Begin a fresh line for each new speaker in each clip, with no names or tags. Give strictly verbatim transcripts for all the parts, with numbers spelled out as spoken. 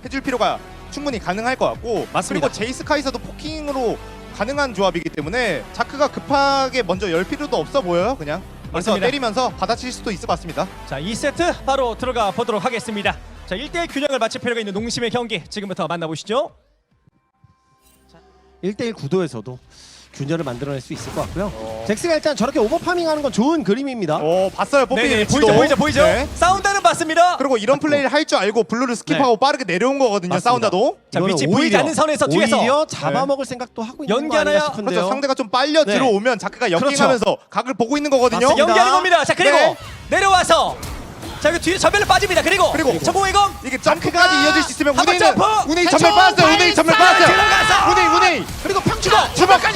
해줄 필요가 충분히 가능할 것 같고
맞습니다.
그리고 제이스 카이사도 포킹으로 가능한 조합이기 때문에 자크가 급하게 먼저 열 필요도 없어 보여요. 그냥 그래서
맞습니다.
때리면서 받아칠 수도 있을 것 같습니다.
자, 이 세트 바로 들어가 보도록 하겠습니다. 자, 일 대일 균형을 맞출 필요가 있는 농심의 경기 지금부터 만나보시죠.
일 대일 구도에서도 균열을 만들어낼 수 있을 것 같고요.
어.
잭스가 일단 저렇게 오버파밍하는 건 좋은 그림입니다.
오 봤어요. 뽑히는
네,
위치도.
보이죠, 보이죠, 보이죠.
네.
사운드는 봤습니다.
그리고 이런 플레이를 할 줄 알고 블루를 스킵하고 빠르게 내려온 거거든요.
맞습니다.
사운드도.
자,
이거는
위치 보이지
오히려,
않는 선에서 뒤에서
오히려 잡아먹을 생각도 하고 있는 거
연기하나요?
아닌가 싶은데요.
그렇죠. 상대가 좀 빨려
네.
들어오면 자크가 역행하면서
그렇죠.
각을 보고 있는 거거든요.
맞습니다.
연기하는 겁니다. 자, 그리고
네.
내려와서 자, 이거 뒤로 전멸로 빠집니다. 그리고
그리고
전공의검
이게 점프까지 이어질 수 있으면
한번
우네이는
점프!
우네이
대충
전멸 빠졌어요. 우네이 전멸 빠졌어요.
들어가서!
우네이 우네이
그리고 평주도
주먹까지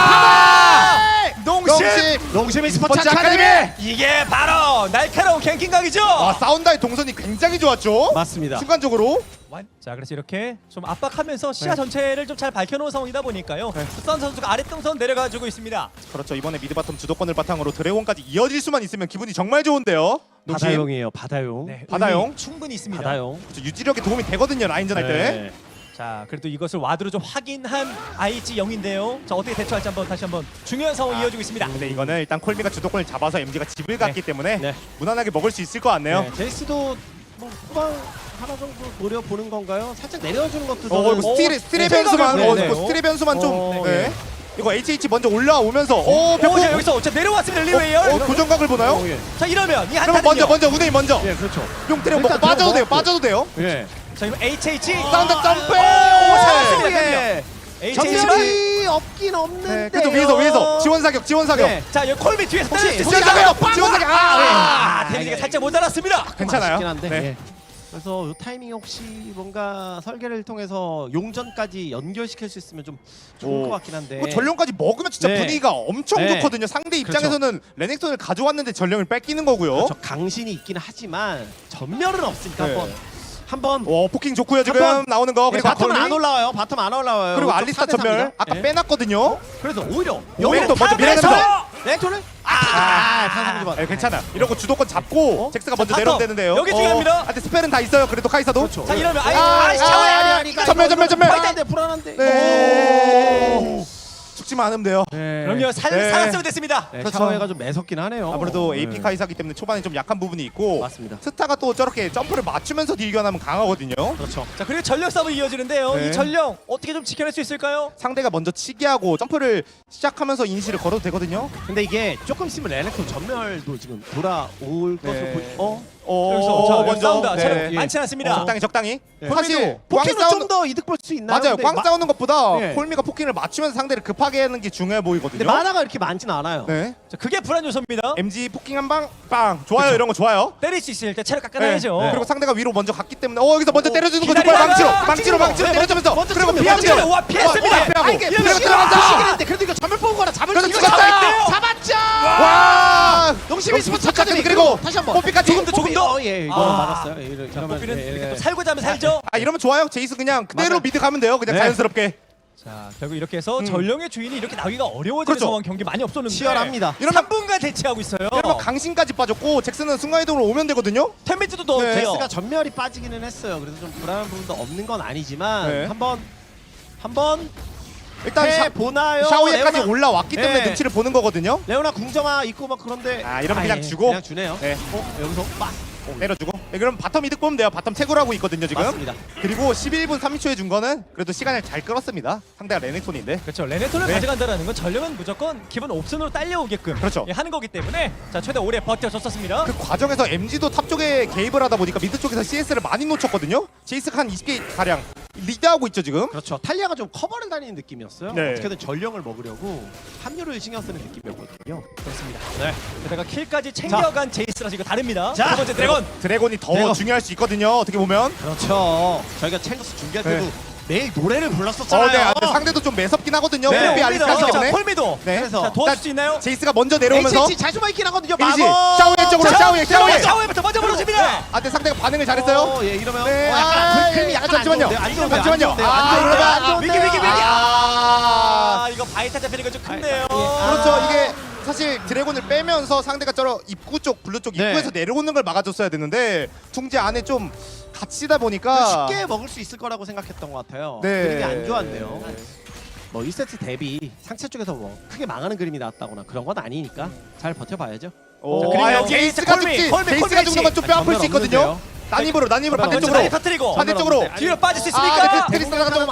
농심!
농심의
스포츠
스포츠
아카데미!
아카데미.
이게 바로 날카로운 갱킹각이죠.
아 사운드의 동선이 굉장히 좋았죠.
맞습니다.
순간적으로
완- 자, 그래서 이렇게 좀 압박하면서 시야
네.
전체를 좀 잘 밝혀놓은 상황이다 보니까요.
네.
수산 선수가 아랫동선 내려가지고 있습니다.
그렇죠. 이번에 미드 바텀 주도권을 바탕으로 드래곤까지 이어질 수만 있으면 기분이 정말 좋은데요. 농심.
바다용이에요. 바다용.
네,
바다용?
의미 충분히 있습니다.
바다용.
그렇죠. 유지력에 도움이 되거든요. 라인전 할 때.
네.
자, 그래도 이것을 와드로 좀 확인한 아이지 영인데요. 자, 어떻게 대처할지 한번 다시 한번 중요한 상황이
아,
이어지고 있습니다.
근데 이거는 일단 콜미가 주도권을 잡아서 엠지가 집을 갔기 때문에
네.
무난하게 먹을 수 있을 것 같네요.
네. 제이스도 뭐 후방 하나 정도 노려보는 건가요? 살짝 내려주는 것도
어,
저는
이거 스틸의 스틸의
네,
변수만,
생각을-
어,
네,
이거
네.
스틸의 변수만 좀.
어,
네.
예.
이거 에이치에이치 먼저 올라오면서, 오,
오,
벽고.
자, 여기서 자, 내려왔습니다. 리웨이얼.
어, 교정각을 보나요?
어, 예.
자, 이러면 이
그러면
한타는요.
먼저, 먼저 우네이 먼저.
예, 그렇죠.
용 때려 먹고
일단
빠져도 돼요.
들어먹고.
빠져도 돼요.
예.
자, 이거 에이치에이치.
사운드 점프!
오, 살았습니다.
예.
에이치에이치가
전멸이 없긴 없는데.
네, 그죠 위에서 위에서 지원 사격, 지원 사격.
네.
자, 여기 콜비 뒤에서 때릴 수
혹시
있습니다.
지원 사격, 지원 사격. 아,
아, 데미지가 살짝 모자랐습니다.
괜찮아요.
아쉽긴 한데.
네.
예. 그래서 이 타이밍 혹시 뭔가 설계를 통해서 용전까지 연결시킬 수 있으면 좀 좋을
오.
것 같긴 한데.
그 전령까지 먹으면 진짜
네.
분위기가 엄청
네.
좋거든요. 상대 입장에서는 레넥톤을 가져왔는데 전령을 뺏기는 거고요.
그렇죠. 강신이 있긴 하지만 전멸은 없으니까
네.
한번 한번
오, 포킹 좋고요. 지금
한번-
나오는 거.
네,
그리고
바텀은
아콜리.
안 올라와요. 바텀 안 올라와요.
그리고
이쪽
알리스타
사 대
전멸
삼입니다.
아까
예.
빼놨거든요.
그래서 오히려
오히려 또 먼저
탑에서!
밀어내면서
레토를
아,
아, 탄성 좀
네, 괜찮아. 이러고 주도권 잡고
어?
잭스가 먼저
자,
내려오면
바텀.
되는데요.
여기 중요합니다.
아, 근데 스펠은 다 있어요. 그래도 카이사도.
그렇죠.
자, 이러면 아이,
아,
아이,
아,
샤워야.
아니, 아니, 전멸, 전멸, 전멸.
불안한데 불안한데.
네. 죽지만 않으면 돼요.
네.
그럼요, 살,
네.
살았으면 됐습니다.
네,
그렇죠.
샤워가 좀 매섭긴 하네요.
아무래도
네.
에이피 카이사기 때문에 초반에 좀 약한 부분이 있고
맞습니다.
스타가 또 저렇게 점프를 맞추면서 딜견하면 강하거든요.
그렇죠.
자, 그리고 전력 싸움이 이어지는데요.
네.
이 전력 어떻게 좀 지켜낼 수 있을까요?
상대가 먼저 치기 하고 점프를 시작하면서 이니시를 걸어도 되거든요.
근데 이게 조금 있으면 레넥톤 전멸도 지금 돌아올 것으로
네.
보이. 어?
어,
여기서 자, 먼저 싸운다.
네.
체력 많지 않습니다.
적당히 적당히.
네.
사실 꽝
포킹으로
싸우는
좀 더 이득 볼 수 있나요?
맞아요.
근데
꽝
마-
싸우는 것보다
네.
콜미가 포킹을 맞추면서 상대를 급하게 하는 게 중요해 보이거든요.
근데 만화가 이렇게 많진 않아요.
네.
자, 그게 불안 요소입니다.
엠지 포킹 한 방 빵. 좋아요. 이런 거 좋아요.
때릴 수 있을 때 체력 깎아놔야죠.
네. 그리고 상대가 위로 먼저 갔기 때문에 어 여기서 먼저
어,
때려주는 거
기다리다가
정말 망치로
망치로
망치로 망치로
네,
때려주면서
먼저
그리고
찍으면
피하죠.
먼저 와, 피했습니다.
어, 피하고
아, 이게
그리고
시간
들어간다.
시간인데 그래도 이거 전멸 뽑거나 잡을 수
그래서
있는
죽었어요.
잡았죠.
와.
농심이 스포츠 아카데미
그리고
다시 한번
뽀삐까지
조금 더, 조금 더.
어, 예, 이거
아.
맞았어요. 예, 이러-
자,
이러면
뽀삐는
예,
이렇게
예.
또 살고자 하면 살죠.
아 이러면 좋아요. 제이스 그냥 그대로
맞아요.
미드 가면 돼요. 그냥
네.
자연스럽게.
자, 결국 이렇게 해서
음.
전령의 주인이 이렇게 나오기가 어려워지는
그렇죠.
상황 경기 많이 없었는데
치열합니다.
이러면
삼 분간 대치하고 있어요.
이러면 강신까지 빠졌고 잭슨은 순간이동으로 오면 되거든요.
템미트도 더
네.
돼요.
제스가 전멸이 빠지기는 했어요. 그래서 좀 불안한 부분도 없는 건 아니지만
네.
한번 한번
일단
해
샤,
보나요?
샤오예까지
레오나,
올라왔기 때문에
네.
눈치를 보는 거거든요.
레오나 궁정아 있고 막 그런데
아, 이러면 그냥
예,
주고.
그냥 주네요.
네.
어, 여기서 빡
때려주고. 네, 그럼 바텀 이득 보면 돼요. 바텀 태구를 하고 있거든요 지금.
맞습니다.
그리고 십일 분 삼십 초에 준 거는 그래도 시간을 잘 끌었습니다. 상대가 레넥톤인데.
그렇죠. 레네톤을
네.
가져간다는 건 전령은 무조건 기본 옵션으로 딸려오게끔
그렇죠.
예, 하는 거기 때문에 자, 최대 오래 버텨줬었습니다.
그 과정에서 엠지도 탑 쪽에 개입을 하다 보니까 미드 쪽에서 씨에스를 많이 놓쳤거든요. 제이스가 한 이십 개 가량 리드하고 있죠 지금.
그렇죠. 탈리아가 좀 커버를 다니는 느낌이었어요.
네.
어떻게든 전령을 먹으려고 합류를 신경 쓰는 느낌이었거든요.
그렇습니다. 네. 게다가 킬까지 챙겨간 제이스라서 이거 다릅니다.
자,
두 번째 드래곤.
드래곤이 더
드래곤.
중요할 수 있거든요. 어떻게 보면.
그렇죠. 저희가 챌린저스 준비할
네.
때도 매일 노래를
어,
불렀었잖아요.
네. 아, 근데 상대도 좀 매섭긴 하거든요.
네.
뽀삐 알리스타기
자,
때문에.
폴미도.
네.
그래서
자, 도와줄
일단
수 있나요?
제이스가 먼저 내려오면서
에이치에이치 잘 숨어 있긴 하거든요.
이미지
마법.
샤오의 쪽으로 샤오의 샤오의.
샤오에부터 먼저 물어줍니다.
아, 근데 상대가 반응을 잘했어요.
어, 예, 이러면
네.
어, 약간
아,
그림이 약간
잠시만요.
안 좋은데요. 안 좋은데요.
잠시만요.
안 좋은데요.
아,
안 좋은데요.
그러면
안 좋은데요.
위기, 위기, 위기.
아,
아, 이거 바이타 잡히는 거 좀 큰데요.
아,
그렇죠. 이게 사실 드래곤을 빼면서 상대가 저러 입구 쪽 블루 쪽
네.
입구에서 내려오는 걸 막아줬어야 되는데 둥지 안에 좀 갇히다 보니까
쉽게 먹을 수 있을 거라고 생각했던 것 같아요.
네.
그림이 안 좋았네요. 뭐 일 세트 대비 상체 쪽에서 뭐 크게 망하는 그림이 나왔다거나 그런 건 아니니까 잘 버텨봐야죠.
오,
자, 그리고
아,
여기
제이스가
콜미,
죽지.
콜미,
제이스가
콜미
죽는 건 좀 뼈 아플 수 있거든요. 난입으로 난입으로
전면
먼저
반대쪽으로
많이 터뜨리고
반대쪽으로
아니,
뒤로 빠질 수
아,
있습니까?
네, 테리스가 좀
아,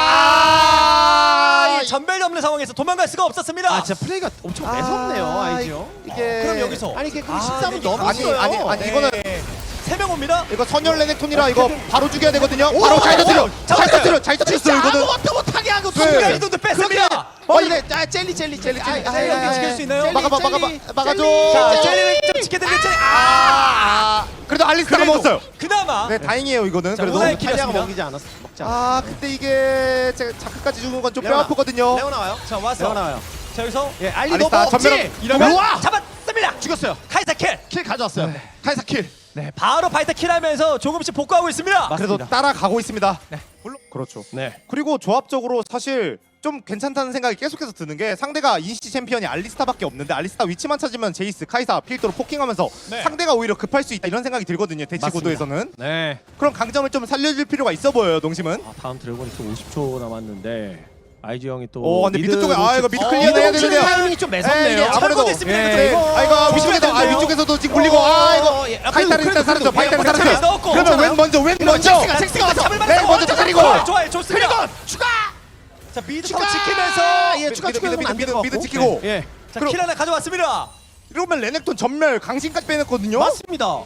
아,
이 전멸이 없는 상황에서 도망갈 수가 없었습니다.
아 진짜 플레이가 엄청 매섭네요 아이지요.
이게
그럼 여기서
아니 이게 그럼
아,
십삼은
네,
넘었어요.
아니, 아니, 아니, 이거는
세 명 옵니다.
이거 선열 레넥톤이라 이거 바로 죽여야 되거든요.
오,
바로 잘 터뜨려.
오,
잘
잡았어요.
터뜨려. 잘 터뜨렸어요 이거는.
아무것도 못하게 하고
네.
순간 이동도 뺐습니다.
어 이제 아 젤리 젤리 젤리 아, 아,
젤리
아, 아,
지킬 수 있나요?
젤리,
막아봐, 막아봐,
젤리,
막아줘.
젤리,
자,
젤리.
젤리를 좀 지켜드리는 젤리.
아,
아,
아. 그래도 알리스타가
그래도
먹었어요.
그나마.
네, 다행이에요 이거는.
자,
그래도.
오늘
탈리아가
길었습니다.
먹이지 않았어. 먹지 않았어.
아, 근데 이게 제가 자크까지 죽는 건 좀 뼈
레오나.
아프거든요.
레오 나와요.
자,
레오
왔어.
나와요.
자, 여기서
예, 알리
알리스타
너무
전멸.
없지.
이러면
우와!
잡았습니다.
죽였어요.
카이사 킬.
킬 가져왔어요. 카이사 킬.
네, 바로 바이타 킬하면서 조금씩 복구하고 있습니다.
맞-
그래도
맞습니다.
따라가고 있습니다.
네.
물론 그렇죠.
네.
그리고 조합적으로 사실 좀 괜찮다는 생각이 계속해서 드는 게 상대가 인시 챔피언이 알리스타밖에 없는데 알리스타 위치만 찾으면 제이스, 카이사, 필도로 포킹하면서
네.
상대가 오히려 급할 수 있다 이런 생각이 들거든요. 대치
맞습니다.
구도에서는.
네.
그런 강점을 좀 살려줄 필요가 있어 보여요. 농심은.
아, 다음 드래곤이 또 오십 초 남았는데 아이지 형이 또
오, 근데 미드 쪽에 아 이거 미드
어,
클리어 해야
미드
되는데요.
타이밍이 좀
예,
매섭네요.
이게 아무래도
철거도 있습니다.
예,
네.
이거
아 이거
조심해야
위쪽에서 아
되는데요.
위쪽에서 지금 굴리고 아 이거
예, 아,
바이탈
그래도,
일단 살았죠.
그래도,
바이탈
그래도
살았죠.
넣었고.
그러면
괜찮아요.
웬 먼저 웬 먼저.
잭스가 잭스가 와서
잡을
네,
만한
먼저
상황.
때리고.
좋아요, 좋아요, 좋습니다.
그리고 추가.
자, 미드
추가.
타워 지키면서
예, 추가
미드,
추가
미드,
안
미드,
될것
미드
같고.
지키고.
예. 예.
자,
그럼-
킬 하나 가져왔습니다.
이러면 레넥톤 전멸 강신까지 빼냈거든요.
맞습니다.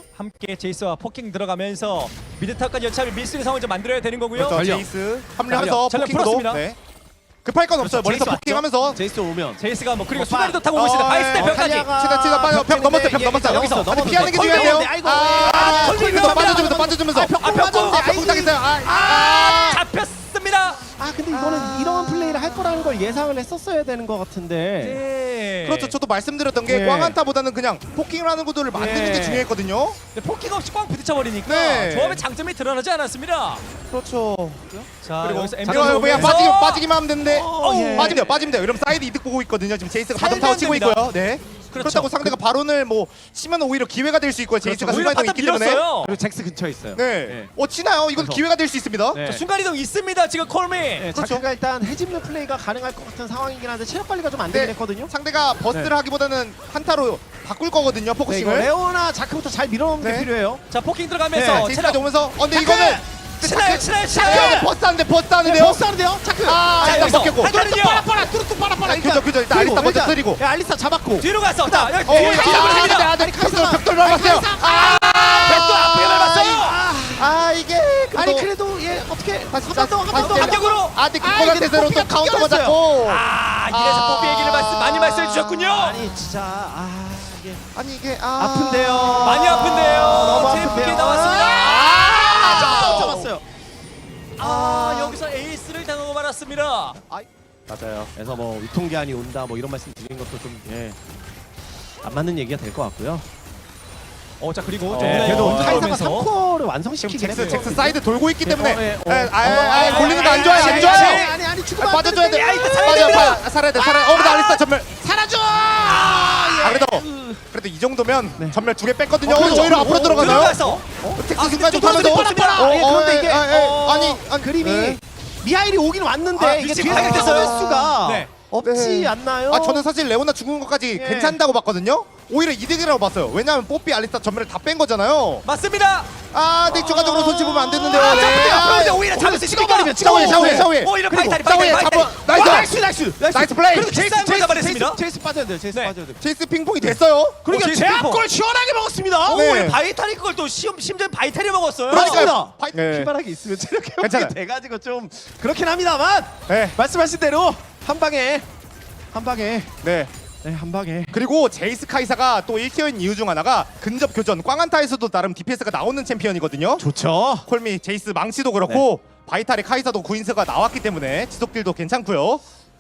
함께 제이스와 포킹 들어가면서 미드 타워까지 여차피 밀수의 상황을 좀 만들어야 되는 거고요.
그렇죠.
전력.
제이스 합류하면서
전력
포킹도.
풀었습니다.
네. 급할 건 없어요. 멀리서
제이스 왔죠?
포킹하면서.
제이스 오면
제이스가 뭐 그리고
뭐
수다리도
빠-
타고 오고 있습니다.
어,
바이스 대
예.
벽까지.
탈리아가
치다 치다 빠져 벽 넘었어요. 벽
예,
넘었어요.
여기서
여기서
넘었는데.
피하는 게
kol미
중요해요.
넘었는데, 아이고.
아,
아,
kol미
kol미
도
넘었는데.
빠져주면서 빠져주면서.
아, 벽
아, 벽
맞았는데,
아, 벽 당했어요. 아, 아.
잡혔습니다.
아 근데 이거는 이런 플레이를 할 거라는 걸 예상을 했었어야 되는 것 같은데.
네.
그렇죠. 저도 말씀드렸던 게
네.
꽝한타보다는 그냥 포킹을 하는 구도를 만드는
네.
게 중요했거든요.
네, 포킹 없이 꽝 부딪혀버리니까
네.
조합의 장점이 드러나지 않았습니다.
그렇죠.
자,
그리고
여기서
잠깐만요.
엠비언
그냥
오면서
빠지기 빠지기만 하면 되는데
어, 예.
빠지면 돼요. 빠지면 돼요. 이러면 사이드 이득 보고 있거든요. 지금 제이스가 바텀
살면
타워 치고
됩니다.
있고요. 네.
그렇죠.
그렇다고 상대가 바론을 뭐 치면 오히려 기회가 될 수 있고요. 제이스가
오히려
순간이동이
바텀
있기 때문에.
밀었어요.
그리고 잭스 근처에 있어요.
네.
네.
어 치나요? 이건
그래서-
기회가 될 수 있습니다.
네.
자, 순간이동 있습니다. 지금 콜미.
네,
그렇죠.
자크가 일단 해집는 플레이가 가능할 것 같은 상황이긴 한데 체력 관리가 좀 안
네.
되긴 했거든요.
상대가 버스를
네.
하기보다는 한타로 바꿀 거거든요.
네, 이거
포커싱을.
레오나 자크부터 잘 밀어넣는
네.
게 필요해요.
자, 포킹
네.
들어가면서
제이스가
체력
오면서 어 근데
자크!
이거는
치나요, 치나요,
자크
치나요.
버스 하는데 버스
네,
하는데요.
버스 하는데요. 자크.
아,
자,
일단
여기서
먹겠고.
한 칸은요.
빠라 빠라 뚜루뚜 빠라 빠라.
그죠, 그죠. 일단 알리스타 먼저 때리고.
야, 알리스타 잡았고.
뒤로 갔어. 자, 여기
어,
뒤에
아,
잡으러
아,
갑니다.
아, 네,
카이사.
벽돌 밟았어요. 아,
벽돌 앞에 밟았어요.
아,
아 이게
아니 그래도 예 어떻게
다시
한 번 더, 한 번 더,
다시
한 번 더.
합격으로.
아 근데
아,
기권한
이게
대세로 또
뽀삐가
카운터가
튕겨냈어요.
잡고
아, 이래서
아.
뽀삐 얘기를 말씀, 많이 말씀해 주셨군요.
아니 진짜 아 이게
아니 이게 아
아픈데요.
많이 아픈데요.
너무
제프게
아픈데요.
나왔습니다.
아, 잡았어요.
아, 여기서 에이스를 당하고 말았습니다.
맞아요.
그래서 뭐 유통기한이 온다 뭐 이런 말씀 드린 것도 좀 예. 안 맞는 얘기가 될 것 같고요.
어, 자, 그리고
어,
좀
그래도
어,
카이사가
들어오면서.
삼 코어를
지금
완성시키긴
잭스
했어요.
잭스 사이드 돌고 있기 때문에
어, 예, 어.
에, 아, 아, 아, 골리는 거 안
아,
좋아요.
아,
안
아,
좋아요.
아,
아니 아니
아,
죽으면 안
빠져줘야 돼.
되는데.
야, 이거 살아야
맞아,
됩니다.
봐, 살아야 돼. 살아. 어, 근데 알리스타 전멸.
사라져.
아, 그래도 그래도 이 정도면
네.
전멸 두 개 뺐거든요.
어,
어,
그렇죠.
오히려 앞으로
어,
들어가나요?
들어가서
텍스
아,
순간 좀
좀
타면서
빠졌습니다.
어, 예, 그런데 이게 어,
아니 아니
그림이
네.
미하일이 오긴 왔는데
아,
이게
위치
뒤에서
발각됐어요.
타워의 수가
네.
없지
네.
않나요?
아 저는 사실 레오나 죽은 것까지
예.
괜찮다고 봤거든요. 오히려 이득이라고 봤어요. 왜냐하면 뽀삐 알리스타 전멸을 다 뺀 거잖아요.
맞습니다.
아, 근데 추가적으로 손 집으면 안 됐는데요.
아,
네.
잡혔대요.
아,
그런데 오히려 잡을 수 있습니까?
찍어버리면
샤오에 샤오에 샤오에.
오히려
그리고
파이탈이,
샤오에
파이탈이,
잡아.
파이탈이.
나이스.
나이스 나이스
나이스 플레이.
그리고 제이스 한번 잡아냈습니다.
제이스 빠져야 돼요. 제이스
네.
빠져야 돼요.
제이스 핑퐁이 됐어요.
그러니까
제이스
제압골 시원하게 먹었습니다.
오,
네.
우리 바이탈이 그걸 또 심, 심지어 바이탈이 먹었어요.
그러니까요.
파이- 네.
피바락이 있으면 체력 회복이
괜찮아요.
돼가지고 좀 그렇긴 합니다만
네.
말씀하신 대로 한 방에 한 방에
네.
네 한 방에
그리고 제이스 카이사가 또 일 티어인 이유 중 하나가 근접 교전. 꽝한타에서도 나름 디피에스가 나오는 챔피언이거든요.
좋죠.
콜미, 제이스 망치도 그렇고 바이탈의 카이사도 구인스가 나왔기 때문에 지속딜도 괜찮고요.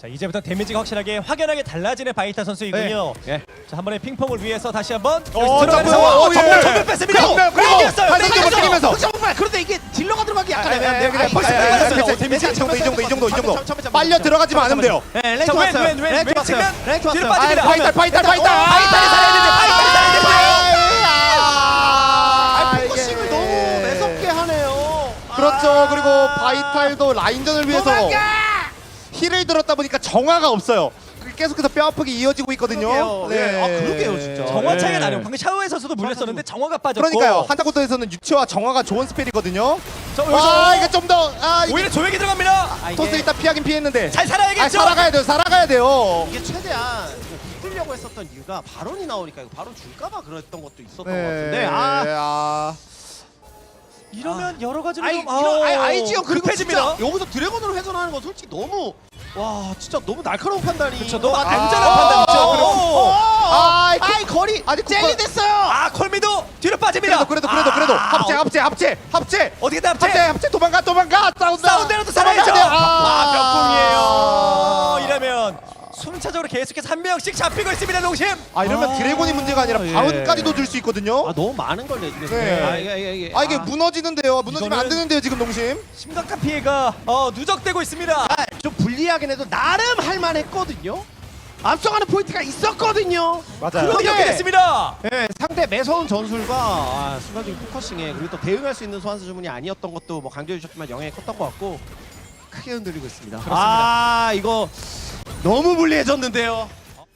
자 이제부터 데미지가 확실하게 확연하게 달라지는 바이타 선수이군요.
예.
자 한 번의 핑퐁을 위해서 다시 한번
어,
들어가는
점프!
상황.
어, 예.
정말 전멸 뺐습니다.
정말, 그리고
이겼어요.
발상점을
이겼어요.
때리면서.
정말 그런데 이게 딜러가 들어가기 약간
아, 아,
애매한데
아, 그래,
아이,
벌써
아이, 아이,
빨랐어요.
아이, 아이,
데미지 이 정도, 이 정도, 이 정도, 이 정도.
잠깐만, 잠깐만,
빨려
잠깐만.
들어가지만 않으면 돼요.
네, 랭크
자, 왼,
왔어요.
왼, 왼,
랭크
왼
왔어요.
측면.
랭크
뒤로
왔어요.
빠집니다.
아, 파이탈, 파이탈,
일단,
파이탈.
어,
파이탈이 살아야 되는데, 파이탈이 살아야 되는데.
아,
아,
포커싱을
이게.
너무 매섭게 하네요.
그렇죠.
아.
그리고 바이탈도 라인전을 위해서
도망가!
힐을 들었다 보니까 정화가 없어요. 그게 계속해서 뼈 아프게 이어지고 있거든요.
그러게요. 네. 아, 그러게요, 진짜.
정화 차이가
네.
나네요. 방금 샤오에서도 물렸었는데 정화가 빠졌고.
그러니까요. 한타코토에서는 유치와 정화가 좋은 스펠이거든요.
자,
와,
여기서
이게 좀 더 아, 이게
오히려 조획이 들어갑니다.
아, 이게,
토스 일단 피하긴 피했는데.
잘
아,
살아야겠죠.
살아가야 돼요. 살아가야 돼요.
이게 최대한 붙으려고 했었던 이유가 발언이 나오니까 이거 발언 줄까봐 그랬던 것도 있었던 것
네.
같은데 아,
아.
이러면 여러 가지로
아이,
좀
이런, 아이, 아이지요. 그리고
급해집니다.
진짜 여기서 드래곤으로 회전하는 건 솔직히 너무 와 진짜 너무 날카로운 판단이
그쵸, 너무
아,
안전한
아,
판단이죠.
아,
그리고-
어,
아,
아이,
그-
아이 거리
아니,
젤리
그거-
됐어요.
아 콜미도 뒤로 빠집니다.
그래도 그래도 그래도 그래도
아,
합체 합체 합체 합체
어떻게든 합체.
합체 합체 도망가 도망가 싸운다.
사운드라도 살아야죠.
도망가야 돼요.
아, 몇 공이에요. 이러면 순차적으로 계속해서 한 명씩 잡히고 있습니다. 농심.
아 이러면
아,
드래곤이 문제가 아니라
예.
바론까지도 줄 수 있거든요.
아 너무 많은 걸 내주겠어요.
네.
아 이게 이게, 이게
아 이게 무너지는데요. 무너지면 안
이거는-
되는데요 지금 농심.
심각한 피해가 어, 누적되고 있습니다.
아, 좀 불리하긴 해도 나름 할만했거든요. 앞서가는 포인트가 있었거든요.
맞아요.
그런데 이렇게 됐습니다.
네, 상대 매서운 전술과 아, 순간적인 포커싱에 그리고 또 대응할 수 있는 소환사 주문이 아니었던 것도 뭐 강조해 주셨지만 영향이 컸던 것 같고 크게 흔들리고 있습니다. 아 이거 너무 불리해졌는데요.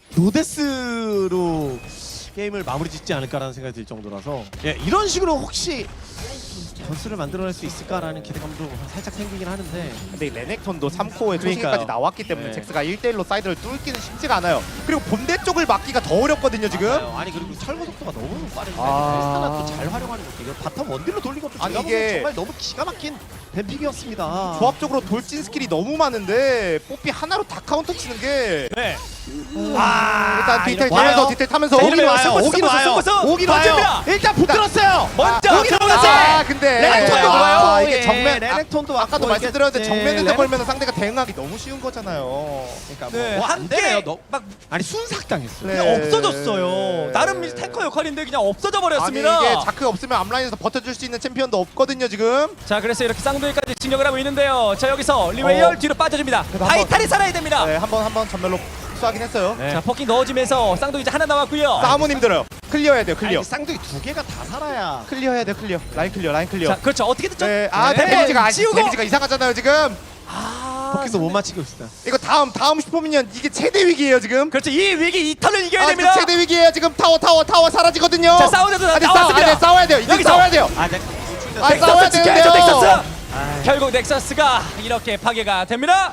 노데스로 게임을 마무리 짓지 않을까라는 생각이 들 정도라서 예, 이런 식으로 혹시 전술을 만들어낼 수 있을까라는 기대감도 살짝 생기긴 하는데
근데 이 레넥톤도 삼 코어에
그러니까요.
초신까지 나왔기 때문에
네.
잭스가 일 대 일로 사이드를 뚫기는 쉽지가 않아요. 그리고 본대 쪽을 막기가 더 어렵거든요 지금.
맞아요. 아니 그리고 철거 속도가 너무 빠른데
아.
헬스타나 또 잘 활용하는 것도 이거 바텀 원딜로 돌린 것도
아니,
제가
이게-
보기엔 정말 너무 기가 막힌 뱀픽이었습니다.
조합적으로 돌진 스킬이 너무 많은데 뽀삐 하나로 다 카운터 치는 게
네.
아, 일단 디테일
와요.
타면서 디테일 타면서
자,
오긴
이러면
와요.
승부수,
오긴
승부수,
와요.
승부수.
오긴 와요.
던집니다.
일단 붙들었어요.
먼저
아, 오긴
들어갔어요.
아 근데
레넥톤도
네.
와요.
아, 이게
예,
정면
레넥톤도
아, 아까도
왔고,
말씀드렸는데
이게-
정면에서
네,
걸면 상대가 대응하기 너무 쉬운 거잖아요.
그러니까
네,
뭐,
한
안 되네요.
개
너,
막
아니 순삭당했어요.
네.
그냥 없어졌어요. 나름 이 탱커 역할인데 그냥 없어져 버렸습니다.
아니 이게 자크 없으면 앞라인에서 버텨줄 수 있는 챔피언도 없거든요 지금.
자 그래서 이렇게 쌍둥이까지 진격을 하고 있는데요. 자 여기서 리웨이얼
어.
뒤로 빠져줍니다.
그래도 한
바이탈이 살아야 됩니다.
네, 한번 한번 전멸로 흡수하긴 했어요.
네.
자 포킹 넣어주면서 쌍둥이 이제 하나 남았고요.
싸움은 힘들어요. 클리어해야 돼요. 클리어.
아니, 쌍둥이 두 개가 다 살아야.
클리어해야 돼요. 클리어. 라인 클리어. 라인 클리어.
자 그렇죠. 어떻게든 좀
네, 아
네,
데미지가 아직
지우고.
데미지가 이상하잖아요 지금.
아,
포켓에서 못 맞히고 있어요.
이거 다음 다음 슈퍼미니언 이게 최대 위기예요 지금.
그렇죠. 이 위기 이 턴을 이겨야
아,
됩니다.
그 최대 위기예요 지금. 타워 타워 타워 사라지거든요.
자 싸우자도
아니,
나왔습니다.
싸, 아니, 싸워야 돼요. 이제
여기서.
싸워야 돼요.
아, 네.
아, 싸워야
넥서스 지켜야죠.
되는데요.
넥서스.
아,
결국 넥서스가 이렇게 파괴가 됩니다.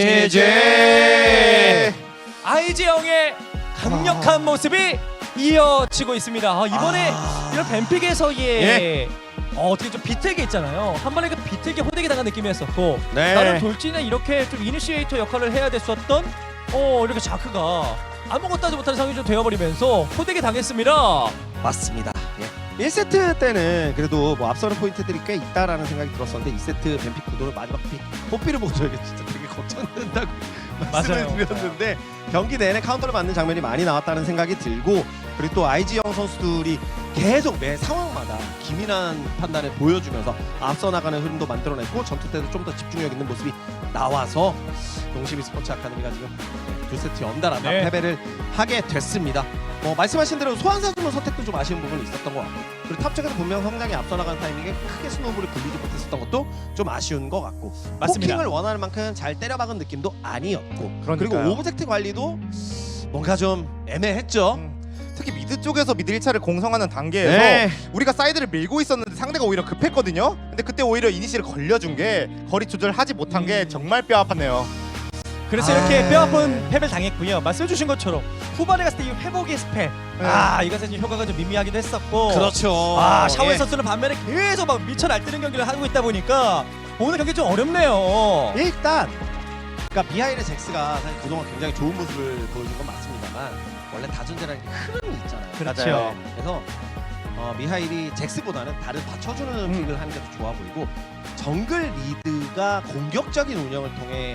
제제.
아이지 형의 강력한 모습이 이어지고 있습니다. 아, 이번에
아.
이런 뱀픽에서의
예.
어, 어떻게 좀 비틀게 있잖아요. 한 번에 그 비틀게 호되게 당한 느낌이었었고
네.
나는 돌진에 이렇게 좀 이니시에이터 역할을 해야 됐었던 어 이렇게 자크가 아무것도 하지 못하는 상황이 좀 되어버리면서 호되게 당했습니다.
맞습니다. 예. 일 세트 때는 그래도 뭐 앞서는 포인트들이 꽤 있다라는 생각이 들었었는데 이 세트 뱀픽 구도를 마지막 픽 뽀삐를 보고 저에게 진짜 되게 걱정된다고 말씀을
맞아요.
드렸는데 경기 내내 카운터를 맞는 장면이 많이 나왔다는 생각이 들고 그리고 또 아이지영 선수들이 계속 매 상황마다 기민한 판단을 보여주면서 앞서 나가는 흐름도 만들어냈고 전투 때도 좀 더 집중력 있는 모습이 나와서 농심 스포츠 아카데미가 지금 두 세트 연달아
네.
패배를 하게 됐습니다. 뭐 말씀하신 대로 소환사 주문 선택도 좀 아쉬운 부분이 있었던 것 같고 그리고 탑 쪽에서 분명 성장이 앞서 나가는 타이밍에 크게 스노우볼을 굴리지 못했었던 것도 좀 아쉬운 것 같고
맞습니다.
포킹을 원하는 만큼 잘 때려박은 느낌도 아니었고 그리고
그러니까요.
오브젝트 관리도 뭔가 좀 애매했죠.
음. 특히 미드 쪽에서 미드 일 차를 공성하는 단계에서
네.
우리가 사이드를 밀고 있었는데 상대가 오히려 급했거든요. 근데 그때 오히려 이니시를 걸려준 게 거리 조절하지 못한 게
음.
정말 뼈 아팠네요.
그래서
아.
이렇게 뼈아픈 패배를 당했고요. 말씀해주신 것처럼 후반에 갔을 때 이 회복의 스펠
네.
아 이것은 좀 효과가 좀 미미하기도 했었고
그렇죠.
아 샤오의
예.
선수는 반면에 계속 막 미쳐 날뛰는 경기를 하고 있다 보니까 오늘 경기 좀 어렵네요.
일단 그러니까 미하일의 잭스가 사실 그동안 굉장히 좋은 모습을 보여준 건 맞습니다만 원래 다존재라는 게 흐름이 있잖아요.
그렇죠.
맞아요.
그래서 어, 미하일이 잭스보다는 다른 받쳐주는
음.
픽을 하는 게 더 좋아 보이고 정글 리드가 공격적인 운영을 통해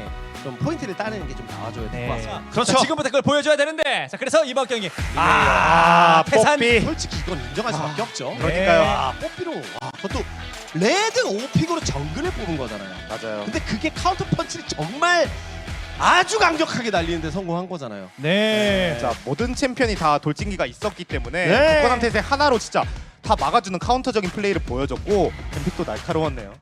좀 포인트를 따내는 게 좀 나와줘야 될 것 같습니다.
그렇죠. 자, 지금부터 그걸 보여줘야 되는데. 자, 그래서 이번 경기
아,
아, 태산.
뽀삐.
솔직히 이건 인정할 수밖에 없죠.
그러니까요.
아, 뽀삐로 와, 그것도 레드 오픽으로 정글을 뽑은 거잖아요.
맞아요.
근데 그게 카운터 펀치를 정말 아주 강력하게 날리는데 성공한 거잖아요.
네.
자, 모든 챔피언이 다 돌진기가 있었기 때문에
네.
국건함 태세 하나로 진짜 다 막아주는 카운터적인 플레이를 보여줬고 뱀픽도 날카로웠네요.